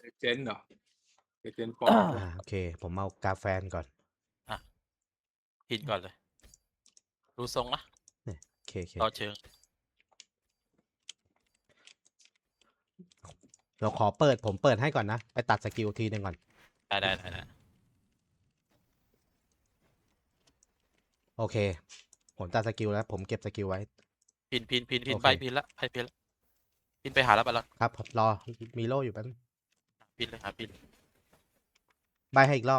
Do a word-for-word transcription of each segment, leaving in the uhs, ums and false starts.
เจนเหรอเจนปออ่ามโอเค ผมเอากาแฟนก่อนอ่ะพินก่อนเลย ดูทรงนะเนี่ยโอเคโอเคต่อเชิงเราขอเปิดผมเปิดให้ก่อนนะ ไปตัดสกิลทีหนึ่งก่อนได้ได้ได้ได้โอเค ผมตัดสกิลแล้ว ผมเก็บสกิลไว้พินพินพินพินโอเคไปพินละไปพินละพินไปหาแล้วไปแล้วครับ รอ มีโล่อยู่แป๊บนึงพินเลยหาพินใบให้อีกรอบ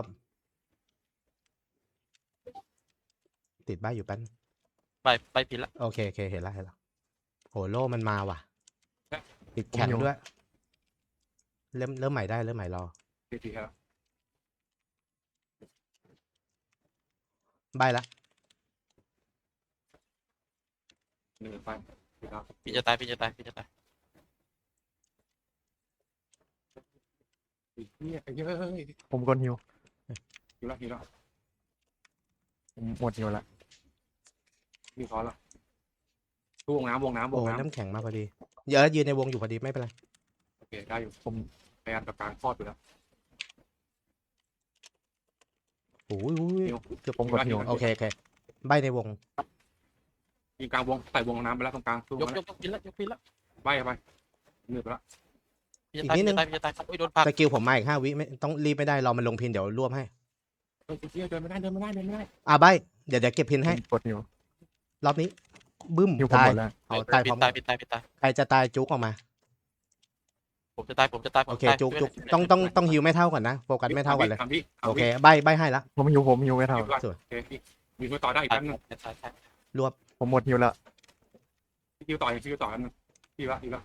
ติดใบอยู่แป๊บนึงไปไปพินละโอเคโอเค เห็นแล้วเห็นแล้วโหโล่มันมาว่ะ ติดแข็งด้วย เริ่มเริ่มใหม่ได้เริ่มใหม่รอทีทีครับใบละหนึ่งไปครับพินจะตายพินจะตายพินจะตายอีกเนี่ยไอ้เฮ้ยผมกดฮิวฮิวละฮิวละผมหมดฮิวละมีคอละวงน้ำวงน้ำวโอ้งยน้ำน้ำแข็งมาพอดี เยอะยืนในวงอยู่พอดีไม่เป็นไรโอเคได้อยู่ผมพยายามกับการคลอดอยู่แล้วโอ้ยโอ้ยฮิวเกือบผมกดฮิวโอเคโอเค ใบในวงยิงกลางวงใส่วงน้ำไปแล้วตรงกลางสู้ยกมันยกยกพินละยกพินละใบไปเหนื่อยไปละพินจะตายอีกนิพิดนนึจะงตายพินจะตายโอ้ยโดนผลักสกิลผมมาอีกห้าวิไม่ต้องรีบไม่ได้รอมันลงพินเดี๋ยวรวบให้เฮ้ยเชี่ยเดินไม่ได้เดินไม่ได้เดินไม่ได้อ่ะใบเดี๋ยวเดี๋ยวเก็บพินให้ผมกดฮิวรอบนี้ บึ้มฮิวผมตายหมดแล้วเอาตายพพิร้อน มตายพินตายพินตายใครจะตายจุกออกมาผมจะตายผมจะตายผมโอเคจะตายจุกช่วยจุกหน่ยต้องต้องต้องฮิวไม่เท่ากันนะโฟกัสไม่เท่ากันเลยทำพี่โอเคใบใบให้ละผมฮิวผมฮิวไม่เท่าสวยโอเคมีคิวต่อได้อีกตายแป๊บนึงตายตายตายรวบผมหมดฮิวละคิวต่อคิวต่อกันนึงพี่ละพี่ละ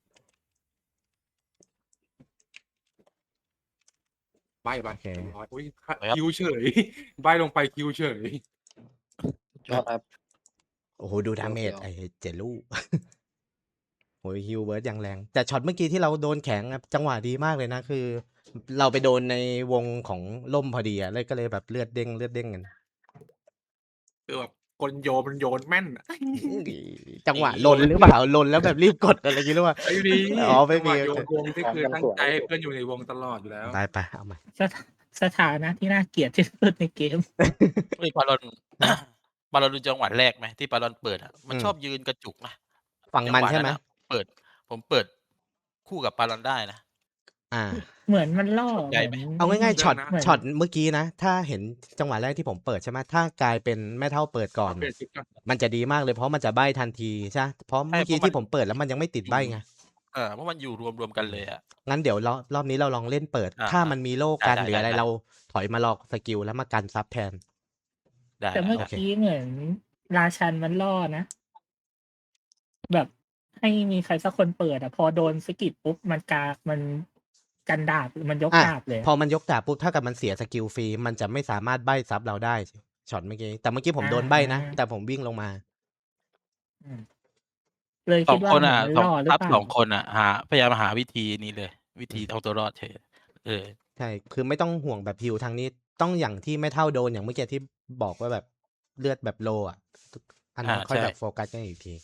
ใบไปอุ้ยคิวเฉยใบลงไปคิวเฉยชอบครับโอ้โหดูดาเมจเดี๋ยวไอ้เจลู โหฮิวเบิร์ดอย่างแรง แต่ช็อตเมื่อกี้ที่เราโดนแข็งอะจังหวะดีมากเลยนะ คือ เราไปโดนในวงของล่มพอดีอะเลยก็เลยแบบเลือดเด้งเลือดเด้งกันคือแบบคนโยนมันโยนแม่นจังหวะลนหรือเปล่าลนแล้วแบบรีบกดอะไรอย่างงี้หรือเปล่าไอ้ดีอ๋อไม่มีโยนวงนี่คือตั้งใจให้เพื่อนอยู่ในวงตลอดอยู่แล้วได้ไปเอามาสถสถานะที่น่าเกลียดที่สุดในเกมเฮ้ยปาลอน ปาลอนดูจังหวะแรกไหมที่ปาลอนเปิดอ่ะมันชอบยืนกระจุกนะฝั่งมันใช่ไหมจังวะะเปิด ผมเปิดคู่กับปาลอนได้นะอ่าเหมือนมันล่อใหญ่ไหมมืนเอาง่ายๆช็อตเหมืนช็อตเมื่อกี้นะ ถ้าเห็นจังหวะแรกที่ผมเปิดใช่ไหมถ้ากลายเป็นแม่เท่าเปิดก่อนเปลี่ยนชุดก่อนมันจะดีมากเลยเพราะมันจะใบ้ทันทีใช่ไหมเพราะเมื่อกี้ที่ผมเปิดแล้วมันยังไม่ติดใบ้ไงเออเพราะมันอยู่รวมรวมกันเลยอ่ะงั้นเดี๋ยวรอบรอบนี้เราลองเล่นเปิดอ่าถ้ามันมีโล่กันได้หรืออะไรได้ได้เราถอยมาลอกสกิลแล้วมากันซับแทนได้แต่เมื่อโอเคกี้เหมือนราชันมันล่อนะ แบบให้มีใครสักคนเปิดอะพอโดนสกิดปุ๊บมันกามันกันดาบมันยกอ่ะดาบเลยพอมันยกดาบปุ๊บถ้ากับมันเสียสกิลฟรีมันจะไม่สามารถใบ้ซับเราได้ช็อตเมื่อกี้แต่เมื่อกี้ผมโดนใบ้นะ แต่ผมวิ่งลงมาอืมเลยสอคิดงว่าคนเหมือนอ่ะมันสองล่อหรือทับเปล่าสองคนอ่ะหาพยายามหาวิธีนี้เลย วิธีเอาตัวรอดเฉยเออใช่คือไม่ต้องห่วงแบบฮิวทางนี้ต้องอย่างที่ไม่เท่าโดนอย่างเมื่อกี้ที่บอกว่าแบบเลือดแบบโลอ่ะอันนั้นอ่าค่อยใช่แบบโฟกัสกันอีกที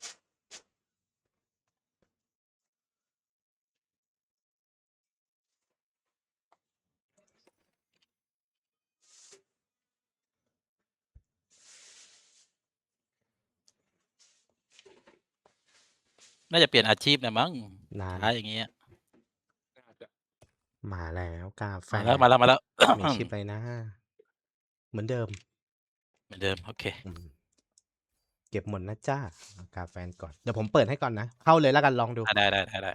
น่าจะเปลี่ยนอาชีพนะมั้งนานท้ายอย่างเงี้ยมาแล้วกาแฟมาแล้วมาแล้วมาแล้วมีชิปอะไรนะ เหมือนเดิมเหมือนเดิมโอเคอืมเก็บหมดนะจ้าเอากาแฟก่อน เดี๋ยวผมเปิดให้ก่อนนะ เข้าเลยแล้วกันลองดูอ่ะได้ได้ได้ได้ไป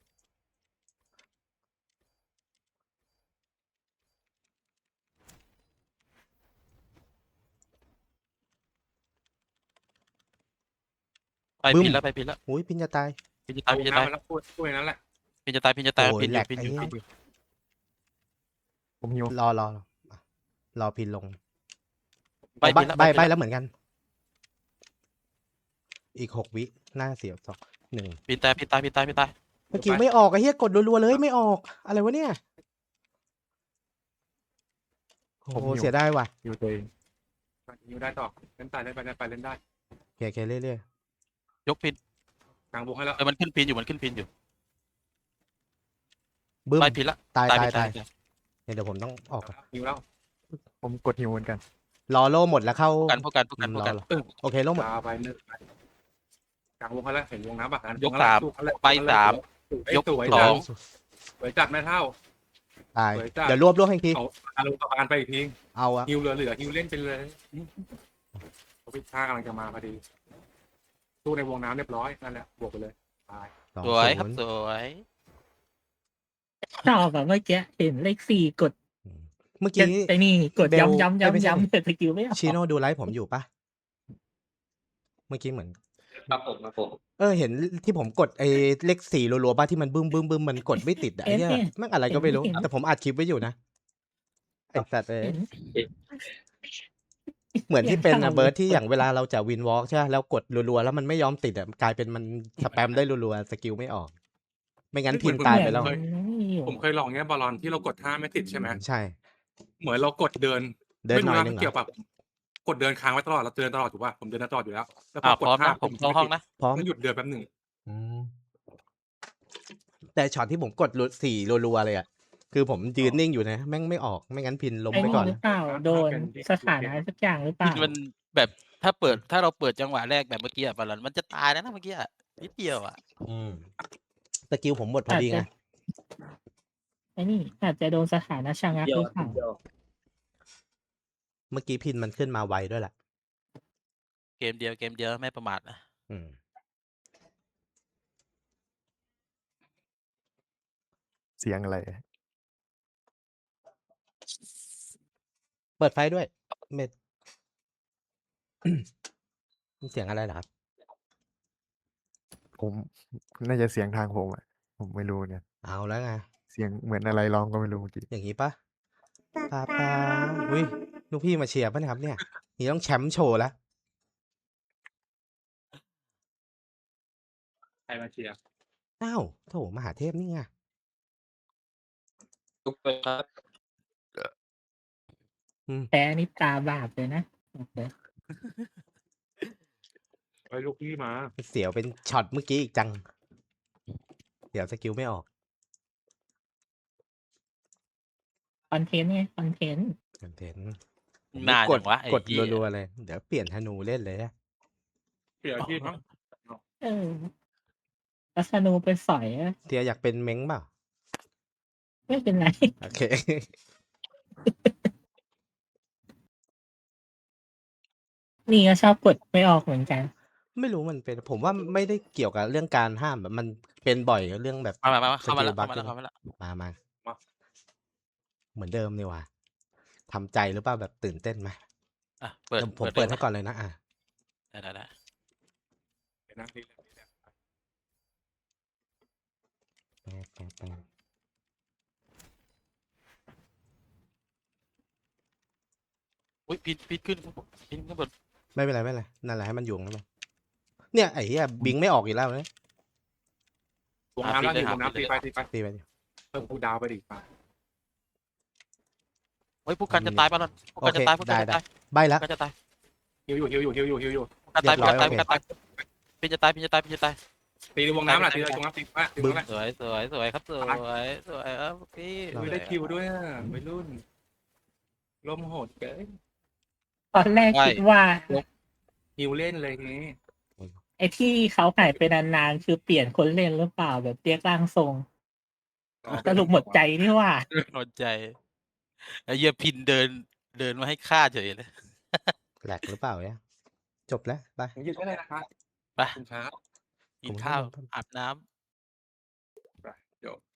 ไปบึ้มพินแล้วไปพินแล้วอุ้ยพินจะตายพินจะตายพินจะตายแล้วพูดพูดอย่างนั้นแหละพินจะตายพินจะตายโอ้ยพินอแหลยู่กพินอยู่ไอ้พินอยู่ผมฮิวรอรอรอรอพินลงไปใบพินแล้วใบไปใบพินแล้วแล้วเหมือนกัน อีกหกวิหน้าเสียบสองหนึ่งพินตายพินตายพินตายพินตายเมื่อกี้ไม่ออกไอ้เหี้ยกดรัวๆเลยไม่ออก อะไรวะเนี่ยโอ้โหเสียได้ว่ะฮิวตัวเองอยู่ได้ต่อเล่นตายเล่นไปเล่นไปเล่นได้โอเคโอเคเรื่อยยกพินกลางวงให้แล้วเออมันขึ้นพินอยู่มันขึ้นพินอยู่บึ้มใบผิดละตายตายตายผิดตายตายเนี่ยเดี๋ยวผมต้องออกก่อนฮิวแล้วผมกดฮิวเหมือนกันรอโล่หมดแล้วเข้ากันพวกกันพวกกันอืมพวกรอกันรอเออโอเคโล่หมดตาไปหนึ่งกลางวงเขาแล้วเห็นวงน้ำปะยกสามไปสาม ยกสวยสจัองงสวยจัดแม่เท่าตายสวยจัดเดี๋ยวรวบรวบให้อีกทีเอาอารมณ์ประการไปอีกทีเอาอะฮิวเหลือเหลือฮิวเล่นไปเลยเขาพิชากำลังจะมาพอดีตู้ในวงน้ำเรียบร้อยนั่นแหละบวกไปเลยตายสองสวยครับศูนย์สวยชอบแบบเมื่อกี้เห็นเลขสี่กดอืมเมื่อจะกี้ไอ้นี่กดเบลย้ำย้ำเอ้ยไม่ใช่ย้ำย้ำแต่สกิลไม่ออกชิโน่ดูไลฟ์ผมอยู่ปะเมื่อกี้เหมือนครับผมครับผมเออเห็นที่ผมกดไอ้เลขสี่รัวๆบ้าที่มันบึ้มบึ้มบึ้มมันกดไม่ติดอะไอ้เนี่ยแม่งอะไรก็ไม่รู้ แต่ผมอัดคลิปไว้อยู่นะไอ้สัตว์เอ้ยเห็นเหมือนที่เป็นอย่างอะเบิร์ดที่อย่างเวลาเราจะวินวอล์กใช่ไหมแล้วกดรัวๆแล้วมันไม่ยอมติดอะกลายเป็นมันสแปมได้รัวๆสกิลไม่ออก ไม่งั้นพินตายไปแล้วเหมือนไม่อยู่ผมเคยลองเนี้ยบอลลอนที่เรากดท่าไม่ติดใช่ไหมใช่เหมือนเรากดเดินเดินไม่หน่รู้อยนะนึงเกี่ยวเหรอกับกดเดินค้างไว้ตลอดเราเดินตลอดถูกป่ะผมเดินตลอดอยู่แล้วแล้วพอ่าอกพร้อมดท่านะผมเข้าห้องนะพร้อมมันหยุดเดินแป๊บหนึ่งอืมแต่ช็อตที่ผมกดสี่รัวๆเลยอ่ะคือผมยืนนิ่งอยู่นะแม่งไม่ออกไม่งั้นพินล้มไอ้ไปนี่ก่อนหรือเปล่าโดนสถานะสักอย่างหรือเปพิล่านมันแบบถ้าเปิดถ้าเราเปิดจังหวะแรกแบบเมื่อกี้อะบอลลอนมันจะตายแล้วนะเมื่อกี้อะนิดเดียวอะอืมสกิลผมหมดพออาจดีจะไงไอ้นี่อาจจะโดนสถานะชะงักเดียหวรือเปล่าเดียวเมื่อกี้พินมันขึ้นมาไวด้วยแหละเกมเดียวเกมเดียวไม่ประมาทนะอืมเสียงอะไรเปิดไฟด้วยเม็ด เสียงอะไรเหรอครับผมน่าจะเสียงทางผมอ่ะผมไม่รู้เนี่ยเอาแล้วไงเสียงเหมือนอะไรร้องก็ไม่รู้เมื่อกี้อย่างนี้ปะป้าป้าอุ้ยลูกพี่มาเชียร์ป่ะเนี่ยครับเนี่ยนี่ต้องแชมป์โชว์แล้วใครมาเชียร์อ้าวโถมหาเทพนี่ไงทุกไปครับแพ้นี่ตาบาปเลยนะไปลูกพี่มาเสียวเป็นช็อตเมื่อกี้อีกจัง เดี๋ยวสกิลไม่ออกคอนเทนต์ไงคอนเทนต์คอนเทนต์นานกจัดงวะไอ้กดเหี้ยรัวๆเลย เดี๋ยวเปลี่ยนธนูเล่นเลยอะเสียอาชีพมั้งเออลัษณูไปสอยอะเทียอยากเป็นเม้งเปล่าไม่เป็นไรโอเคนี่ก็ชอบกดไม่ออกเหมือนกันไม่รู้มันเป็น ผมว่าไม่ได้เกี่ยวกับเรื่องการห้ามแบบมันเป็นบ่อยเรื่องแบบมามามาเข้ามาแล้วสกิลบัเข้าคมาแล้วใช่ไหมเข้ามาแล้วมามาเหมือนเดิมนี่หว่าทำใจหรือเปล่าแบบตื่นเต้นไหมอ่ะเปิดเดี๋ยวผมลเปิดยให้ก่อนเลยนะอ่ะได้ได้ได้เดี๋ยวนะนี่แหละนี่แหละแป๊บแป๊บแป๊บอุ้ยพินพินขึ้นพินขึ้นบนไม่เป็นไรไม่เป็นไรนั่นแหละให้มันอยู่นั่นไปเนี่ยไอ้เหี้ยบิงไม่ออกอีกแล้วเนี่ยวงน้ำแล้วอยู่วงน้ำตีไปตีไปตีไปดิเพิ่มคูลดาวน์ไปดิมาเฮ้ยพวกกันจะตายป่ะล่ะพวกกันจะตายพวกกันจะตายใบแล้วพวกกันจะตายฮิวอยู่ฮิวอยู่ฮิวอยู่ฮิวอยู่พวกกันตายพวกกันตายพเรีวย กบร้กัอยนตายพินจะตายพินจะตายพินจะตายตีในวงน้ำแหละตีในวงน้ำตีไปตีตรงนั้นสวยสวยสวยครับสวยสวยครับพี่ไม่ได้คิวด้วยอ่ะไม่รุ่นลมโหดเกินตอนแรกคิดว่าฮิวเล่นเลยทีนี้ไอ้ที่เขาหายไปนานๆคือเปลี่ยนคนเล่นหรือเปล่าแบบเรียกร่างทรงสรุปหมดใจนี่ว่าหมดใจไอ้เหี้ยพินเดินเดินมาให้ฆ่าเฉยเลยแหลกหรือเปล่าเนี่ยจบแล้วไปผมยืนได้เลยนะคะไปคุณช้ากินข้าวอาบน้ำจบ